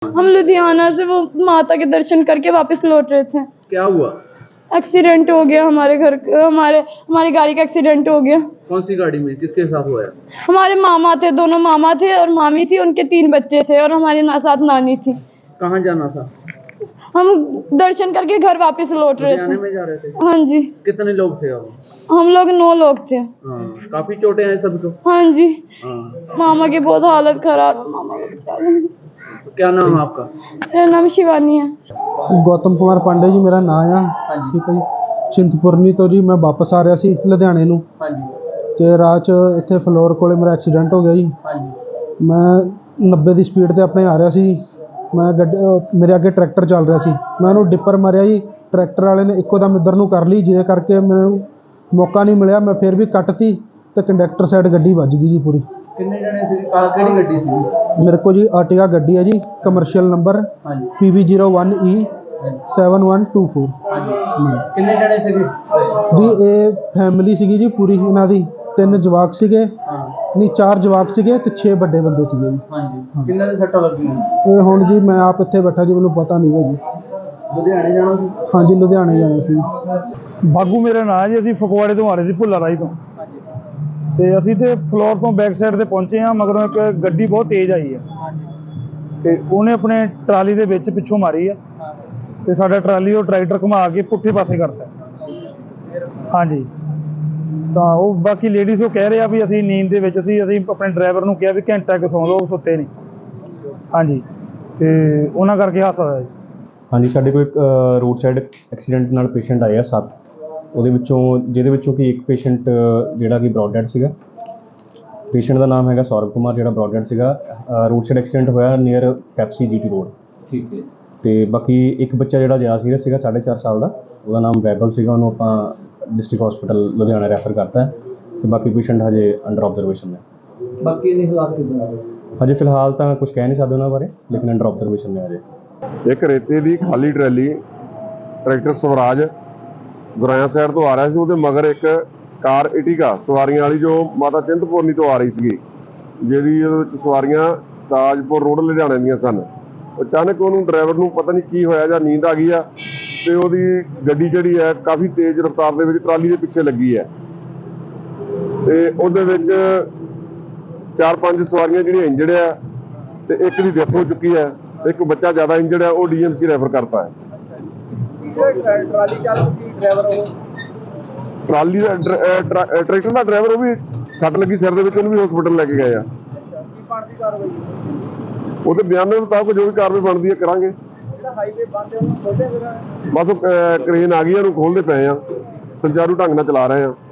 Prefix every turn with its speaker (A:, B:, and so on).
A: हम लुधियाना से वो माता के दर्शन करके वापस लौट रहे थे।
B: क्या हुआ?
A: एक्सीडेंट हो गया हमारे घर, हमारी गाड़ी का एक्सीडेंट हो गया।
B: कौन सी गाड़ी में, किसके साथ हुआ है?
A: हमारे मामा थे, दोनों मामा थे और मामी थी, उनके 3 बच्चे थे और हमारे साथ नानी थी।
B: कहाँ जाना था?
A: हम दर्शन करके घर वापस लौट रहे थे।
B: में जा रहे थे?
A: हाँ जी।
B: कितने लोग थे अब?
A: हम लोग 9 लोग थे।
B: हाँ, काफी चोटें हैं सबको?
A: हाँ जी।
B: हाँ।
A: मामा की बहुत हालत खराब है, मामा को बेचारे।
B: क्या नाम है आपका?
A: मेरा नाम शिवानी है।
C: गौतम कुमार पांडे जी मेरा नाम आ। ठीक है जी। चिंतपुरनी तो जी मैं वापस आ रहा सी लुधियाने नूं ते राह च इत्थे फ्लोर कोले मेरा एक्सीडेंट हो गया जी। मैं 90 की स्पीड ते अपने आ रहा सी। मैं मेरे अगे ट्रैक्टर चल रहा सी, मैं उन्होंने डिपर मारिया जी। ट्रैक्टर वाले ने इक्को दम इधर नूं कर ली, जिहदे करके मैनूं मौका नहीं मिलिया। मैं फिर भी कटती ते कंडक्टर साइड गड्डी वज गई जी पूरी।
B: कितने जने सी? किहड़ी गड्डी सी?
C: मेरे को जी आर्टिगा गड्डी है जी, कमर्शियल नंबर PB01E 7124।
B: कितने जने सी
C: जी ये फैमिली सीगी जी पूरी, इन्हां दी 3 जवाक सीगे, नहीं 4 जवाक सीगे ते 6 बड़े बंदे सीगे जी।
B: किन्ने दे सट्टां लगियां?
C: ये हुण जी मैं आप इत्थे बैठा जी, मैनूं पता नहीं है जी।
B: लुधियाने जाना सी?
C: हाँ जी लुधियाने जाना सी।
D: ਬਾਗੂ ਮੇਰਾ ਨਾਂ ਹੈ ਜੀ। ਅਸੀਂ ਫਗਵਾੜੇ ਤੋਂ ਆ ਰਹੇ ਸੀ, ਭੁੱਲਾ ਰਾਈ ਤੋਂ, ਤੇ ਅਸੀਂ ਤੇ ਫਲੋਰ ਤੋਂ ਬੈਕ ਸਾਈਡ ਤੇ ਪਹੁੰਚੇ ਹਾਂ। ਮਗਰੋਂ ਇੱਕ ਗੱਡੀ ਬਹੁਤ ਤੇਜ਼ ਆਈ ਹੈ ਤੇ ਉਹਨੇ ਆਪਣੇ ਟਰਾਲੀ ਦੇ ਵਿੱਚ ਪਿੱਛੋਂ ਮਾਰੀ ਹੈ ਤੇ ਸਾਡਾ ਟਰਾਲੀ ਉਹ ਟਰੈਕਟਰ ਘੁਮਾ ਕੇ ਪੁੱਠੇ ਪਾਸੇ ਕਰਤਾ। ਹਾਂਜੀ, ਤਾਂ ਉਹ ਬਾਕੀ ਲੇਡੀਜ਼ ਉਹ ਕਹਿ ਰਹੇ ਆ ਵੀ ਅਸੀਂ ਨੀਂਦ ਦੇ ਵਿੱਚ ਅਸੀਂ ਆਪਣੇ ਡਰਾਈਵਰ ਨੂੰ ਕਿਹਾ ਵੀ ਘੰਟਾ ਕੁ ਸੌਂ ਲਓ, ਉਹ ਸੁੱਤੇ ਨਹੀਂ। ਹਾਂਜੀ, ਤੇ ਉਹਨਾਂ ਕਰਕੇ ਹਾਦਸਾ ਹੋਇਆ ਜੀ।
E: ਹਾਂਜੀ, ਸਾਡੇ ਕੋਲ ਇੱਕ ਰੋਡ ਸਾਈਡ ਐਕਸੀਡੈਂਟ ਨਾਲ ਪੇਸ਼ੈਂਟ ਆਏ ਆ 7, ਉਹਦੇ ਵਿੱਚੋਂ ਜਿਹਦੇ ਵਿੱਚੋਂ ਕਿ ਇੱਕ ਪੇਸ਼ੈਂਟ ਜਿਹੜਾ ਕਿ ਬਰੌਡ ਡੈਡ ਸੀਗਾ। ਪੇਸ਼ੈਂਟ ਦਾ ਨਾਮ ਹੈਗਾ ਸੌਰਵ ਕੁਮਾਰ, ਜਿਹੜਾ ਬਰੌਡ ਡੈਡ ਸੀਗਾ। ਰੋਡ ਸਾਈਡ ਐਕਸੀਡੈਂਟ ਹੋਇਆ ਨੀਅਰ ਪੈਪਸੀ GT ਰੋਡ।
B: ਠੀਕ ਹੈ।
E: ਤੇ ਬਾਕੀ ਇੱਕ ਬੱਚਾ ਜਿਹੜਾ ਜ਼ਿਆਦਾ ਸੀਰੀਅਸ ਸੀਗਾ 4.5 ਸਾਲ ਦਾ, ਉਹਦਾ ਨਾਮ ਵੈਭਵ ਸੀਗਾ, ਉਹਨੂੰ ਆਪਾਂ ਡਿਸਟ੍ਰਿਕਟ ਹਸਪੀਟਲ ਲੁਧਿਆਣਾ ਰੈਫਰ ਕਰਤਾ ਹੈ ਤੇ ਬਾਕੀ ਪੇਸ਼ੈਂਟ ਹਜੇ ਅੰਡਰ ਆਬਜ਼ਰਵੇਸ਼ਨ ਨੇ।
B: ਬਾਕੀ ਦੇ ਹਾਲਾਤ ਕਿੱਦਾਂ ਆ?
E: ਹਜੇ ਫਿਲਹਾਲ ਤਾਂ ਕੁਝ ਕਹਿ ਨਹੀਂ ਸਕਦੇ ਉਹਨਾਂ ਬਾਰੇ, ਲੇਕਿਨ ਅੰਡਰ ਆਬਜ਼ਰਵੇਸ਼ਨ ਨੇ ਹਜੇ।
F: ਇੱਕ ਰੇਤੇ ਦੀ ਖਾਲੀ trolley tractor Swaraj Guraya side ਤੋਂ ਆ ਰਿਹਾ ਸੀ, ਉਹਦੇ ਮਗਰ ਇੱਕ ਕਾਰ ਇਟੀਗਾ ਸਵਾਰੀਆਂ ਵਾਲੀ ਜੋ ਮਾਤਾ ਚਿੰਤਪੁਰਨੀ ਤੋਂ ਆ ਰਹੀ ਸੀਗੀ, ਜਿਹਦੀ ਉਹਦੇ ਵਿੱਚ ਸਵਾਰੀਆਂ ਤਾਜਪੁਰ ਰੋਡ ਲੁਧਿਆਣੇ ਦੀਆਂ ਸਨ। ਅਚਾਨਕ ਉਹਨੂੰ ਡਰਾਈਵਰ ਨੂੰ ਪਤਾ ਨਹੀਂ ਕੀ ਹੋਇਆ ਜਾਂ ਨੀਂਦ ਆ ਗਈ ਆ ਤੇ ਉਹਦੀ ਗੱਡੀ ਜਿਹੜੀ ਹੈ ਕਾਫੀ ਤੇਜ਼ ਰਫ਼ਤਾਰ ਦੇ ਵਿੱਚ ਟਰਾਲੀ ਦੇ ਪਿੱਛੇ ਲੱਗੀ ਹੈ ਤੇ ਉਹਦੇ ਵਿੱਚ 4-5 ਸਵਾਰੀਆਂ ਜਿਹੜੀਆਂ ਇੰਜਰਡ ਆ ਤੇ ਇੱਕ ਦੀ ਡੈਥ ਹੋ ਚੁੱਕੀ ਹੈ। ਇੱਕ ਬੱਚਾ ਜ਼ਿਆਦਾ ਇੰਜਰਡ ਹੈ, ਉਹ DMC ਰੈਫਰ ਕਰਤਾ ਹੈ।
B: ਟਰਾਲੀ ਚਾਲਕ ਸੀ ਡਰਾਈਵਰ? ਉਹ
F: ਟਰਾਲੀ ਦਾ ਟਰੈਕਟਰ ਦਾ ਡਰਾਈਵਰ, ਉਹ ਵੀ ਸੱਟ ਲੱਗੀ ਸਿਰ ਦੇ ਵਿੱਚ, ਉਹਨੂੰ ਵੀ ਹਸਪੀਟਲ ਲੈ ਕੇ ਗਏ ਆ।
B: ਕੀ ਬਣਦੀ ਕਾਰਵਾਈ?
F: ਉਹਦੇ ਬਿਆਨ ਦੇ ਮੁਤਾਬਕ ਜੋ ਵੀ ਕਾਰਵਾਈ ਬਣਦੀ ਹੈ ਕਰਾਂਗੇ।
B: ਜਿਹੜਾ ਹਾਈਵੇ ਬੰਦ ਹੈ ਉਹਨੂੰ ਖੋਲ੍ਹਿਆ ਫਿਰ?
F: ਬਸ ਉਹ ਕ੍ਰੇਨ ਆ ਗਈ, ਉਹਨੂੰ ਖੋਲ੍ਹਦੇ ਪਏ ਆ, ਸੁਚਾਰੂ ਢੰਗ ਨਾਲ ਚਲਾ ਰਹੇ ਆ।